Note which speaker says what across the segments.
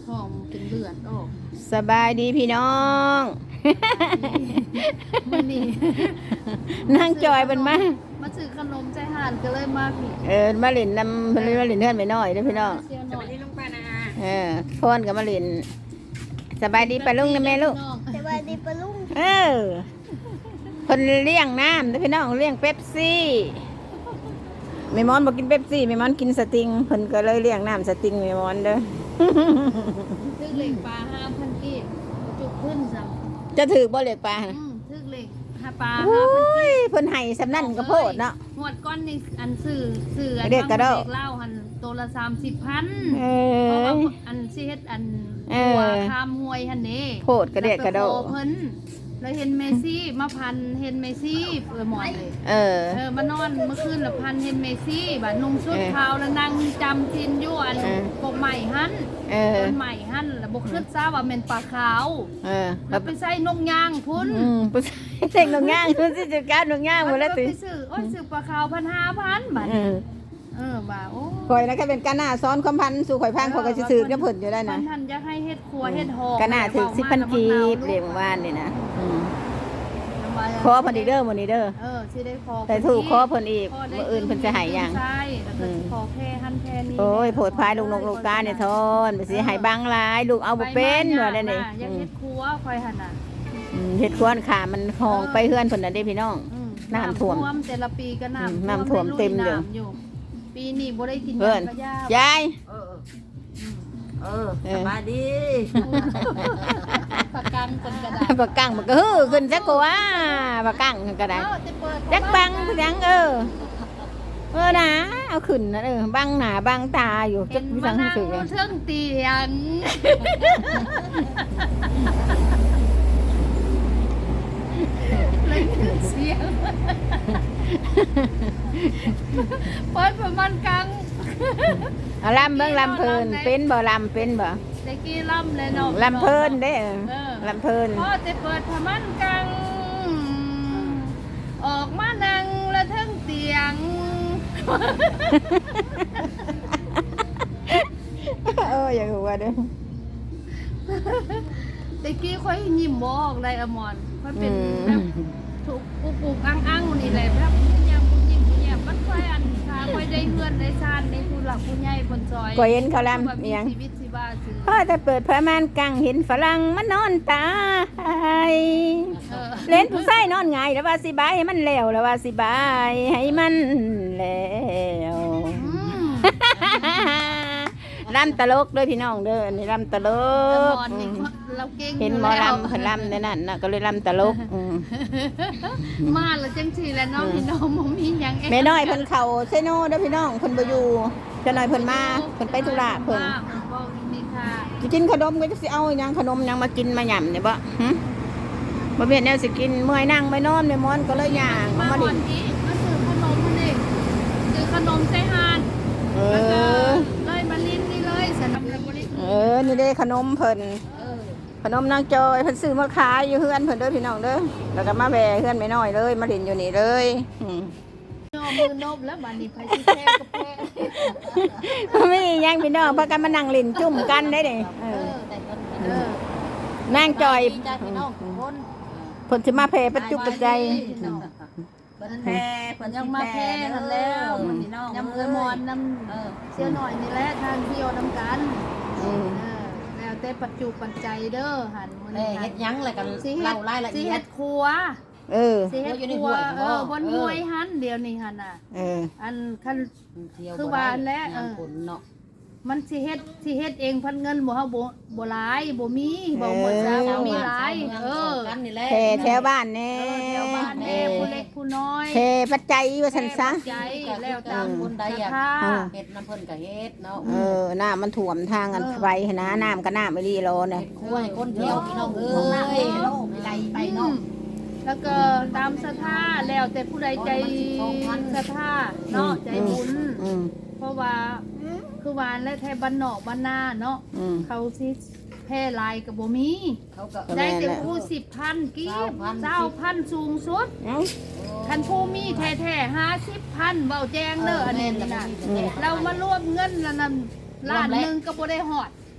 Speaker 1: ท้องเป็นเลือดออก
Speaker 2: สบายดีพี่น้อง
Speaker 1: มื้อนี้
Speaker 2: นั่งจอยเป็นมา
Speaker 1: มาซื้อขนมใจห่านก็เลยมาผิด
Speaker 2: มาเล่นนำมาเล่นเพื่อนไปหน่อยเด้อพี่น้อง
Speaker 1: เสียห
Speaker 3: ส
Speaker 1: น่อ
Speaker 3: วั
Speaker 1: ย
Speaker 3: สดีลุงป้านะ
Speaker 2: พ่นกับมาเล่นสบายดีปะลุงนะแม่ลูก
Speaker 4: สวัสดีปะลุง
Speaker 2: เพิ่นเลี้ยงน้ำเด้อพี่น้องเลี้ยงเป๊ปซี่แม่มอนบ่กินเป๊ปซี่แม่มอนกินสติงเพิ่นก็เลยเลี้ยงน้ำสติงแม่มอนเด้อ
Speaker 1: ทึกเหล็กปลา5,000กีบจุกขึ้นซ้
Speaker 2: จะถือบ่เล็กปลาน่ะ
Speaker 1: ำทึกเหล็กหาปลา
Speaker 2: โอ้
Speaker 1: 5,000กี
Speaker 2: ย
Speaker 1: บ
Speaker 2: เพิ่นให้สำนั่นก็โพดเนาะ
Speaker 1: หวดก้อนในอันสื่ออัน
Speaker 2: เด็กกระโดด
Speaker 1: เด็กเล่าหันตัวละ30,000
Speaker 2: เอ
Speaker 1: เพราะ
Speaker 2: อ
Speaker 1: ว่าอันสิเฮ็ดอัน
Speaker 2: เออ
Speaker 1: หัวคามหวยหันนี่
Speaker 2: โพดกระเดะกระโดด
Speaker 1: แล้วขอเพิ่นแล้วเห็นเมซี่มาพันเห็นเมซี่หมอนเลย
Speaker 2: เออ
Speaker 1: มานอนเมื่อคืนละพันเห็นเมซี่บัดนุ่งชุดขาวแล้วนั่งจำจินอยู่อัน
Speaker 2: เออ
Speaker 1: พวกใหม่หัน
Speaker 2: เออ
Speaker 1: ต้นใหม่หันแล้วบ่คิดซะว่าแม่นปลาขาว
Speaker 2: เออ
Speaker 1: แล้วไปใส่นกย่างพุ่น
Speaker 2: ผู้ชายแต่งหนงย่างผู้ชายจัดการหนงย่างหมดแล้วติ
Speaker 1: ไปซื้อโอ้ยซื้อปลาขาว1,500บัดบ่าโอ้
Speaker 2: ข่อยนะก็เป็นการหน้าซ้อนความพันสู่ข่อยพังข่อยก็สิซื้อกับเพิ่นอยู่ได้นะ
Speaker 1: ท่านอยากให้เฮ็ดครัวเฮ็ดหอ
Speaker 2: ก็น่าถึง10,000กีบเรียกว่านนี่นะขอเพิ่นอีกเด้อมื้อนี้เด้อ
Speaker 1: สิได้ขอ
Speaker 2: แต่ถูกขอเพิ่นอีกมื้ออื่นเพิ่นจะให้หยัง
Speaker 1: ใช่แล้วก็สิขอแค่หันแค่นี้
Speaker 2: โอ้ยโพดพายลูกนกลูกกาเนี่ยทอนไปสิให้บังหลายลูกเอาบ่เป็นว่าได้นี่
Speaker 1: อยากเฮ็ดครัวคอยหั่นน่ะ
Speaker 2: เฮ็ดควนขามันหองไปเฮือนเพิ่นน่ะเด้พี่น้อง น้ำท่วม
Speaker 1: แต่ละปีก็น้ำ
Speaker 2: น้ำท่วมเต็มอยู่
Speaker 1: น้ำอยู่ปีนี้บ่ได้กิน
Speaker 2: เพิ่น
Speaker 1: ยากระยาย
Speaker 2: าย
Speaker 3: สบายดี
Speaker 1: ประกันคนกระดาษ
Speaker 2: ปากกังมันก็ฮือขึ้นซะกว่าปากกังก็ได้
Speaker 1: จะเปิด
Speaker 2: จักบังจังนะเอาขึ้นนะบังหน้าบังตาอยู่จั
Speaker 1: เห็
Speaker 2: ก
Speaker 1: น
Speaker 2: มี
Speaker 1: มา
Speaker 2: ทาง
Speaker 1: นั่ง
Speaker 2: สึก
Speaker 1: เทิงเตียงเลยเสียงเปิดประมาณกลาง
Speaker 2: เอาลำเบิ่งลำเพลินเป็นบ่ลำเป็นบ่
Speaker 1: ตะกี้ล่ำเลยเนาะ
Speaker 2: ลำเพลินเด้ลำเพลิน
Speaker 1: พ่อจะเปิดประมาณกลางออกมานั่งละเทิงเตียง
Speaker 2: อย่างหัวเด้อ
Speaker 1: ตะกี้ค่อยยิ้มบออกเลยอมรค่อยเป็นแบบถูกปลูกอังนี่แหละแบบยังบุญยิ้มบุญแย้มมันค่อยอันค่ะค่อยได้เพื่อนได้ชาติในผู้หลักผู้ใหญ่คนซอย
Speaker 2: ก็เห็นเขาลำ
Speaker 1: แบบมี
Speaker 2: เอียง
Speaker 1: ชีวิตชีวาซื้อ
Speaker 2: พ่อจะเปิดพระมานกังเห็นฝรั่งมันนอนตาย
Speaker 1: เออ
Speaker 2: เล่นผู้ชายนอนไงายแล้วว่าสิบายให้มันแล้วแล้วว่าสิบายให้มันแล้ว ลำตลกเด้อพี่น้องเด้ออันนี่ลำตล
Speaker 1: อ
Speaker 2: ก
Speaker 1: มรนี่เราเก่ง
Speaker 2: เห็นหมอลำเพิ่นลำในนั้นน่ะก็เลยลำตลก
Speaker 1: มาแล้วจังสีแล้วน้องพี่น้องมมีหยัง
Speaker 2: แม่น้อยเพิ่นเข้าเซโนเด้อพี่น้องเพิ่นบ่อยู่เจะน้อยเพิ่นมาเพิ่นไปธุระเพิ่น
Speaker 1: บอกนี่ค่ะ
Speaker 2: สิกินขนมก็จะสิเอาหยังขนมหยังมากินมาหย่ำเนี่ยบ่หึบ่เวียนแนวสิกินเมื่อยนั่งไม่นอนในมอนก็เลยย่าง
Speaker 1: มา
Speaker 2: มา
Speaker 1: วั
Speaker 2: ดิ
Speaker 1: นนี้มาซื้อขนมมานี่ซื้อขนมใส่หาน
Speaker 2: เอ
Speaker 1: แล้วก็
Speaker 2: อ
Speaker 1: เลยมาลิ้นนี่เลยสนับสนุน
Speaker 2: นี่เด้ขนมเพิ่น
Speaker 1: เออ
Speaker 2: ขนมนางจอยเพิ่นซื้อมาขายอยู่เฮือนเพิ่นเด้อพี่น้องเด้อแล้วก็มาแวะเฮือนไม่น้อยเลยมาเล่นอยู่นี่เลยอืม
Speaker 1: นอมือนบแล้วบัดนี้ไผสิแพ้ก็แพ้
Speaker 2: บ่มีหยังพี่น้องพากันมานั่งเล่นจุ่มกันได้เด้
Speaker 3: แต่ก็
Speaker 1: เออน
Speaker 2: างจอย
Speaker 3: จากพี่น้องคน
Speaker 2: เพิ่นสิมาแผ่ปัจจุปัจจัย
Speaker 3: เพิ่นแพ้เพิ่นยังมาแพ้นั่นแล้วพี่น้อง
Speaker 1: ยำเอือมอนน้ำเชี่ยวหน่อยนี่แหละทางเที่ยวน้ำกัน
Speaker 2: อืม
Speaker 1: แล้วแต่ปัจจุปัจจัยเด้อหันมื้อ
Speaker 3: เอ้
Speaker 1: นี้
Speaker 3: เฮ็ดยังแล้วกัน
Speaker 1: สิเฮ็
Speaker 3: เล่า
Speaker 1: ด
Speaker 3: รายละ
Speaker 1: สิ
Speaker 3: เอีย
Speaker 1: เฮ็
Speaker 3: ด
Speaker 1: ดครัว
Speaker 2: เออ
Speaker 1: สิเฮ็ด
Speaker 3: อยู่ใน
Speaker 1: ครั
Speaker 3: ห้
Speaker 1: ว
Speaker 3: วยบ่
Speaker 1: บนห้วยหันเดี๋ยวนี้หันน่ะ
Speaker 2: เออ
Speaker 1: อันคัน
Speaker 3: เที่ยว
Speaker 1: คือว่าและ
Speaker 3: งานผลเนาะ
Speaker 1: มันสิเฮ็ดเองพันเงินบ่เฮาบ่หลายบ่มีบ่หมดซะบ่มีหลาย
Speaker 3: กันนี่แหละ
Speaker 2: แผ่แถวบ้านแน่
Speaker 1: แถวบ้านแน่ผู้เล็กผู้น้อย
Speaker 2: แผ่ปัจจัยว่าซั่นซะ
Speaker 1: ใจแล้ว
Speaker 3: ตา
Speaker 1: ตาม ม
Speaker 3: คนใดอยาก
Speaker 1: ศรัทธา
Speaker 3: เฮ็ดน้ำเพิ่นก็เฮ็ดเนาะ
Speaker 2: น้ำมันท่วมทางกันไปหั่นนะน้ำก็น้ำไม่ดีรอเนี่ย
Speaker 3: คุยคนเที่ยวพี่น้องเอ้ยไกลไปเนาะ
Speaker 1: แล้วก็ตามศรัทธาแล้วแต่ผู้ใดใจศรัทธาเนาะใจบุญ
Speaker 2: อืม
Speaker 1: เพราะว่าคือวานและแทบ้านนอกบ้านนาเนาะ
Speaker 2: อืม
Speaker 1: เขาสิแพร่หลายกับบ่มี
Speaker 3: เขาก็
Speaker 1: ได้แต่ผู้10,000กีบ20,000สูงสุด
Speaker 2: เอ้า
Speaker 1: คันผู้มีแท้ๆ50,000เว้าแจ้งเด้ออันนี้นะเรามารวมเงินแล้วนำล้านหนึงก็บ่ได้ฮอด
Speaker 3: โอ้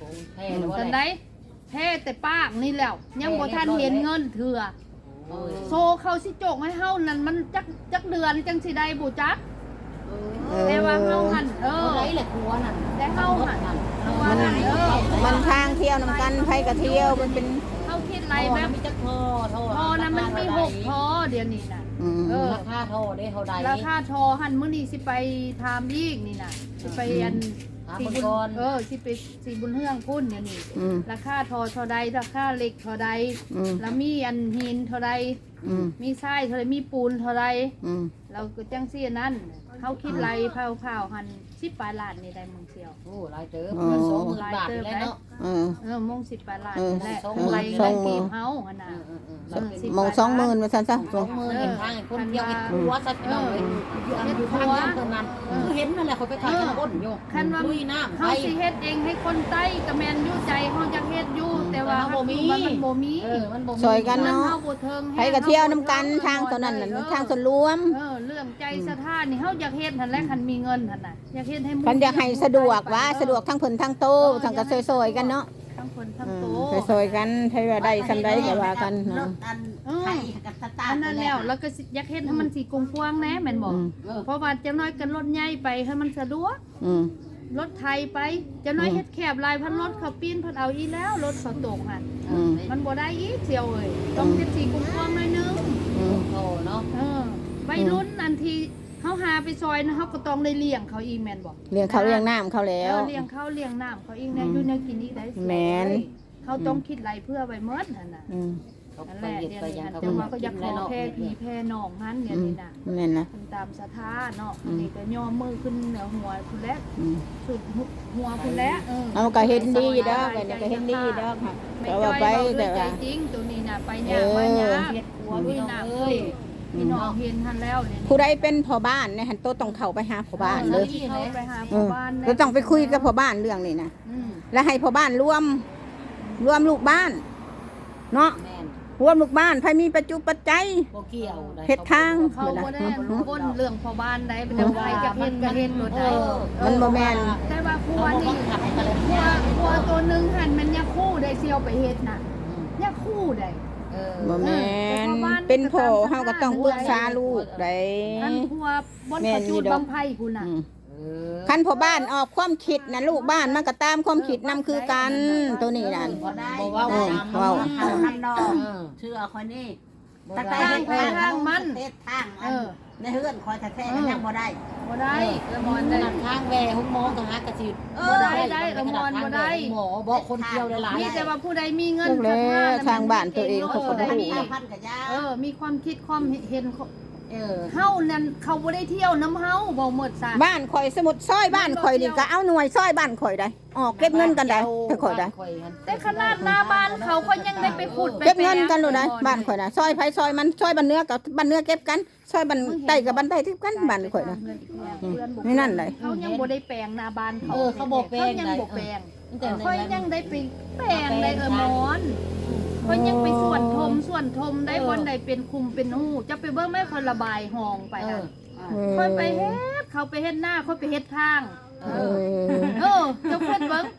Speaker 3: แพ้หรือว่า
Speaker 1: จั
Speaker 3: อะ
Speaker 1: ง
Speaker 3: ไร
Speaker 1: ได๋แพ้แต่ปากนี่แล้วยังบ่ทันเห็นเงินเถื่อโซเขาสิโจกให้เฮานั่นมันจักเดือนจังสิได้บ่จักแต่ว่าเฮาหั่น
Speaker 3: ไรแหละครัวนั่น
Speaker 1: แต่เฮาหั่นเฮาว่าหั่น
Speaker 2: มันทางเที่ยวนำกันไผก็เที่ยวมันเป็น
Speaker 1: เฮาคิดไรแบบ
Speaker 3: มีจักท่อ
Speaker 1: พอนะมันมี6พอเดี๋ยวนี้น่ะ
Speaker 3: ราคาท่อได้เท่าใด
Speaker 1: ราคาทอหั่นมื้อนี้สิไปถามอีกนี่น่ะสิไปอันสิบุญสิไปสิบุญเฮืองพุ่นเดี๋ยวนี้ราคาทอเท่าใดราคาเหล็กเท่าใดแล้วมีอันหินเท่าใดมีทรายเท่าใดมีปูนเท่าใดเราก็จังซี่นั้นเฮาคิดไรเผาๆหั่น10 ปลายล้านนี่ได้มึงเสียว
Speaker 3: โอ้หลายเติบมัน20,000 บาทแล้วเนาะ
Speaker 1: มง10 ปลายล้านนี่แหละไรไรเก็บเฮาหั่นน่ะ
Speaker 2: มอง20,000ว่าซั่นซะ
Speaker 3: 20,000เห็นทางคนเดียวเห็นครัวซัดน้องเลยอยู่ทางนั้นตรงนั้นคือเห็นนั่นแหละเขาไปถ่ายกันอ้นอยู่
Speaker 1: คันว่า
Speaker 3: ลุยน้ำ
Speaker 1: เฮาสิเฮ็ดเองให้คนใต้ก็แม่นอยู่ใจเฮาอยากเฮ็ดอยู่แต่ว่ามันบ่มี
Speaker 3: มันบ่
Speaker 2: ซอยกันเนาะ
Speaker 1: เฮาบ่เทิง
Speaker 2: ไผก็เที่ยวนํกันทางตัวนั้นน่ะทางส่วนรวม
Speaker 1: เรื่องใจสถานนี่เฮาอยากเฮ็ดหั่นแหละคันมีเงินหั่นน่ะอยากเฮ็ดให้
Speaker 2: คันอยากให้สะดวกว่าสะดวกทั้งเพิ่นทั้งโตทั้งก็ซอยๆกันเนาะ
Speaker 1: ทั้งคนทั้งโต
Speaker 2: ซอยๆกันไผว่าได้ซำใดก็ว่ากันเนาะ
Speaker 1: อันนั้นแล้วก็อยากเฮ็ดให้มันสิกว้างๆแหน่แม่นบ่เพราะว่าจังน้อยกันรถใหญ่ไปให้มันสะดวกรถไทยไปจังน้อยเฮ็ดแคบลายพันรถเขาปีนเพิ่นเอาอีแล้วรถเขาตกหั่นมันบ่ได้อีกเสียวเอ้ยต้องเฮ็ดสิกว้างๆหน่อยนึง
Speaker 3: โอ้เนาะ
Speaker 1: วัยรุ่นอันที่เขาหาไปซอยนะเขาก็ต้องได้เลี้ยงเขาอีกแมนบอก
Speaker 2: เลี้ยงเขาเลี้ยงน้ำเขาแล้ว
Speaker 1: เลี้ยงเขาเลี้ยงน้ำเขาอีกเนี่ยอยู่ในกินอีกได้
Speaker 2: แม่น
Speaker 1: เขาต้องคิดไรเพื่อไว้เมิดนั่นน่ะนั่นแหละเดี๋ยวนี้จังว่าก็อยากขอแพ่ผีแพ่น้องนั้นเดี๋ยวนี้น่ะ
Speaker 2: นั่นนะ
Speaker 1: ตามสถาเนาะนี่ก็ย่อมือขึ้นเหนือหัวคุณแล้วสุดหัวคุณแล้ว
Speaker 2: เอาก็เห็นดีดอกเนี่ยก็เห็นดีดอกค่ะ
Speaker 1: ไม่
Speaker 2: แต่
Speaker 1: จ้
Speaker 2: ว่า
Speaker 1: อย
Speaker 2: ไป
Speaker 1: เบาด้ว
Speaker 2: แต่
Speaker 1: ยใจ
Speaker 2: ว่า
Speaker 1: จริงตัวนี้น่ะไปยากมายากเฮ็ดหัวด้วยน้ำเอ้ยพี่น้องเห็นทันแล้วเนี่ย
Speaker 2: ผู้ใดเป็นพ่อบ้านเนี่ยหันโตต้องเข้าไปหาพ่อบ้านเลย
Speaker 1: เข้าไปหาพ่อบ้าน
Speaker 2: เราต้องไปคุยกับพ่อบ้านเรื่องนี้นะแล้วให้พ่อบ้านรวมลูกบ้านเนาะรวมลูกบ้านใครมีปัจจุปัจจัย
Speaker 3: บ่เกี่ยว
Speaker 2: เฮ็ดทาง
Speaker 1: เขาบ่ได้ก้นเรื่องพ่อบ้านใดเป็นใครจะเฮ็ดก็เฮ็ดบ่ได้
Speaker 2: มันบ่แม่น
Speaker 1: แต่ว่าครัวนี่ครัวตัวนึงหั่นมันยาคู่ได้เซียวไปเฮ็ดน่ะยาคู่ได้
Speaker 2: บ่แม่นเป็นพ่อเฮาก็ต้องปรึกษาลูกได้
Speaker 1: อันครัวบนประจูดบังไผ่พุ่นน่ะ
Speaker 2: คันพ่อบ้านออกความคิดนะลูกบ้านมันก็ตามความคิดนำคือกันตัวนี้นั่น
Speaker 3: บ่เว้าตาม
Speaker 2: เว้า
Speaker 3: ทางนั้นดอกเชื่อคนนี้ตั้งแต่เฮ็ดทางมันเฮ็ดทางในเฮือนคอยแท้ๆก็ยังบ่ได้
Speaker 1: บ่ได้ละมอนได้
Speaker 3: ทางแวหุ้มหมอกะหากระสิบ่ได้ละมอนบ่ได้หมอบ่คนเที่ยวหลาย
Speaker 1: มีแต่ว่าผู้ใดมีเงิน
Speaker 2: ลูกแล้วทางบ้านตัวเองเขาก็บ่รู้
Speaker 1: มีความคิดความเห็นเฮานั่นเขาบ่ได้เที่ยวน้ำเฮาบ่หมดซะ
Speaker 2: บ้านข่อยสมุดซอยบ้านข่อยนี่ก็เอาหน่วยซอยบ้านข่อยได้ออกเก็บเงินกันได้ไปข่อยได้
Speaker 1: แต่ขนาดหน้าบ้านเขาก็ยังได้ไปขุด
Speaker 2: เก็บเงินกันเลยได้บ้านข่อยนะซอยไผซอยมันซอยบ้านเนื้อกับบ้านเนื้อเก็บกันซอยบ้านใต้กับบ้านใต้ที่กันบ้านข่อยนะนี่นั่นเลย
Speaker 1: เขายังบ่ได้แปลงหน้าบ้านเขา
Speaker 3: เขาบ่แปลง
Speaker 1: ยังบ่แปลง
Speaker 3: แต่
Speaker 1: เขายังได้ไปแปลงได้หมอนเขายังไปส่วนทมได้บนใดเป็นคุมเป็นหูจะไปเบิ่งแม่คนระบายห้องไปค่ะค่อยไปเฮ็ดเขาไปเฮ็ดหน้าค่อยไปเฮ็ดทางเจ้าเพิ่นเบิ่ง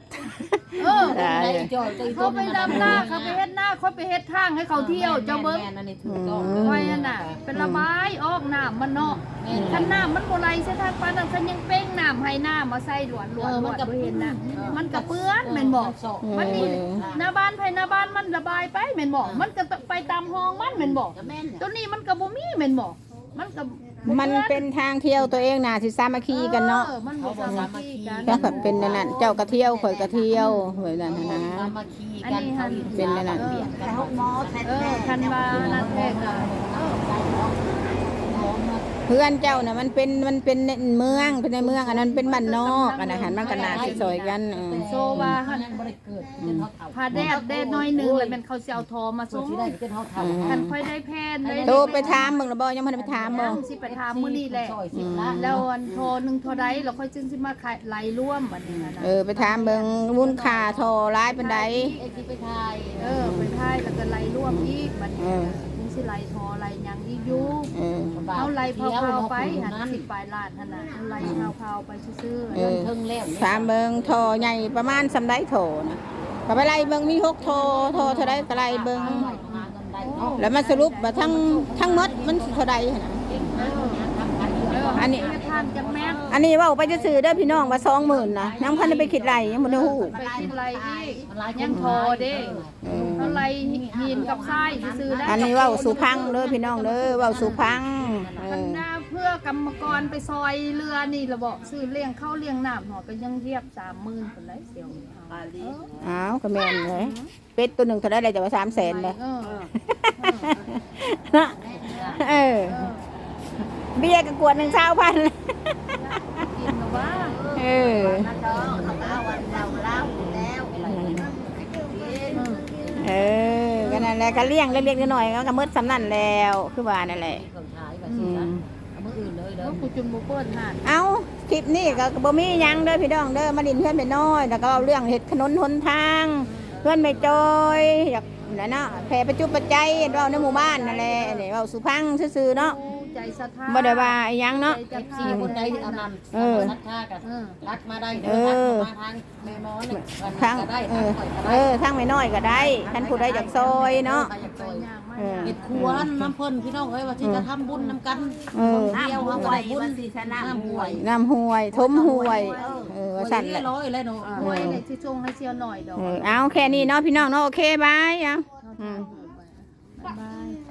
Speaker 1: เขาไปดำหน้าเขาไปเฮ็ดหน้าค่อยไปเฮ็ดทางให้เขาเที่ยวเจ้าเบิ่งค่อยนั่นน่ะเป็นระบายออกน้ำมันเนาะคันน้ำมันบ่ไหลใส่ทางปานนั้นคันยังเป้งน้ำให้น้ำมาใส่หลวนมันก็เห็นน่ะมันก็เปื้อนแม่นบ่มันนี่หน้าบ้านภายหน้าบ้านมันระบายไปแม่นบ่มันก็ไปตามห้องมันแม่นบ่ตัวนี้มันก็บ่มีแม่นบ่มันก็
Speaker 2: มันเป็นทางเที่ยวตัวเองน่ะสิสามัคคีกันเนาะ
Speaker 1: มันบ่สามัคคีกัน
Speaker 2: ก็แบบเป็นนั่นเจ้าก็เที่ยวข่อยก็เที่ยวเหมือนนั้นนะ
Speaker 1: อันนี้หัน
Speaker 2: เป็นนั่น
Speaker 3: แต่ห้องหมอแท้ๆ
Speaker 1: คันว่านั่นแท้ก็
Speaker 2: เพื่อนเจ้าน่ะมันเป็นเมืองเป็นในเมืองอันนั้นเป็นบ้านนอกอันนั้นหันมันก็น่าสิซอยกัน
Speaker 1: โซว่าหัน
Speaker 3: บ่ได้เกิด
Speaker 1: พาแดดน้อยนึงแล้วมันเขาสิเอาทอมาส่ง
Speaker 3: สิได้เป็นเฮาเฒ่า
Speaker 1: คันค่อยได้แพนได้
Speaker 2: โตไปถามมึงแล้วบ่ยังบ่ได้ไปถามบ่
Speaker 1: สิไปถามมื้อนี้แหละแล้วอันโทรนึงเท่าใดแล้วค่อยจึงสิมาขายไหลร่วมบัดนี้นะ
Speaker 2: ไปถามเบิ่งมูลค่าเท่าหลายปานใด
Speaker 3: ไอ้ที่ไปถ่าย
Speaker 1: ไปถ่ายแล้วก็ไหลร่วมอีกบัดนี้สิไหลทอไหลหยังอีกอยู่ เอาไหลเผาๆไปหัน10ปลายล้านหั่นน่ะเอาไหลเผาๆไปซื่อๆ
Speaker 3: เทิงแล้ว
Speaker 2: ถามเบิ่งโทใหญ่ประมาณสำไดโทนะก็ไปไล่เบิ่งมี6โทเท่าใดก็ไล่เบิ่งแล้วมาสรุปว่าทั้งหมดมันเท่าใดหั่นน่ะ อันนี้
Speaker 1: ทานจังแม่ง
Speaker 2: อันนี้เว้าไปซื่อๆเด้อพี่น้องว่า20,000นะยังพันได้ไปคิดไรยังบ่ได้ฮู้
Speaker 1: ไปกินไรอีกยังโทเด้เอาไรหินกับทรายซื่อๆได้
Speaker 2: อันนี้เว้าสู่พังเด้อพี่น้องเด้อเว้าสู่พัง
Speaker 1: มันน่าเพื่อกรรมกรไปซอยเรือนี่ระบอกซื้อเลี้ยงข้าวเลี้ยงน้ำหอก็ยังเทียบ30,000คนได้เสียว
Speaker 2: อ้าวก็แม่นเลยเป็ดตัวหนึงเท่าไดเลยจะว่า300,000เลย เออเบี้ยก็กวด1,000
Speaker 1: กินหรือว่า
Speaker 2: เออ
Speaker 3: นั่นดอกเอาวันเราเล่าแล้ว
Speaker 2: เออก็นั่นแหละก็เลี้ยงเล็กๆน้อยๆก็มืดสำนั่นแล้วคือว่านั่นแหละ
Speaker 3: คนขายแบบนี้นะเอามืออื่นเลยเด้อ
Speaker 1: ก็กูจุนบุเปิลห่าน
Speaker 2: เอาคลิปนี้ก็บ่มีหยังเด้อพี่น้องเด้อมาดินเพื่อนไปน้อยแล้วก็เอาเรื่องเฮ็ดถนนหนทางเพื่อนไม่จอยอยากนั่นเนาะแผ่ประจุปัจจัยเว้าในหมู่บ้านนั่นแหละนี่เว้าสุพังซื่อๆเนาะ
Speaker 1: ใจศรัทธา
Speaker 2: บ่ได้ว่าอีหยังเนาะ
Speaker 1: ใจศรัทธา
Speaker 3: สี่คนใดเอานำรักค่ากันรักมาได้เด้อมาทางแม่มอนี่
Speaker 2: ทาง
Speaker 3: ก็ได้
Speaker 2: ทางไม่น้อยก็ได้ท่านผู้ใดอยากซอยเนาะ
Speaker 1: ไปย่างมา
Speaker 3: เฮ็ดครัวน้ำเพิ่นพี่น้องเอ้ยว่าสิจะทำบุญนำกัน
Speaker 2: เออ
Speaker 3: เดียวเฮาก็ได้บุญสิชนะห่วย
Speaker 2: น้ำห้วยทมห้วยว่าสั่นแหละ
Speaker 3: ร้อยเลยเนาะ
Speaker 1: หวยเนี่ยที่ชงให้เชียวหน่อยดอก
Speaker 2: เอาแค่นี้เนาะพี่น้องเนาะโอเคบายเอา
Speaker 1: บ๊ายบาย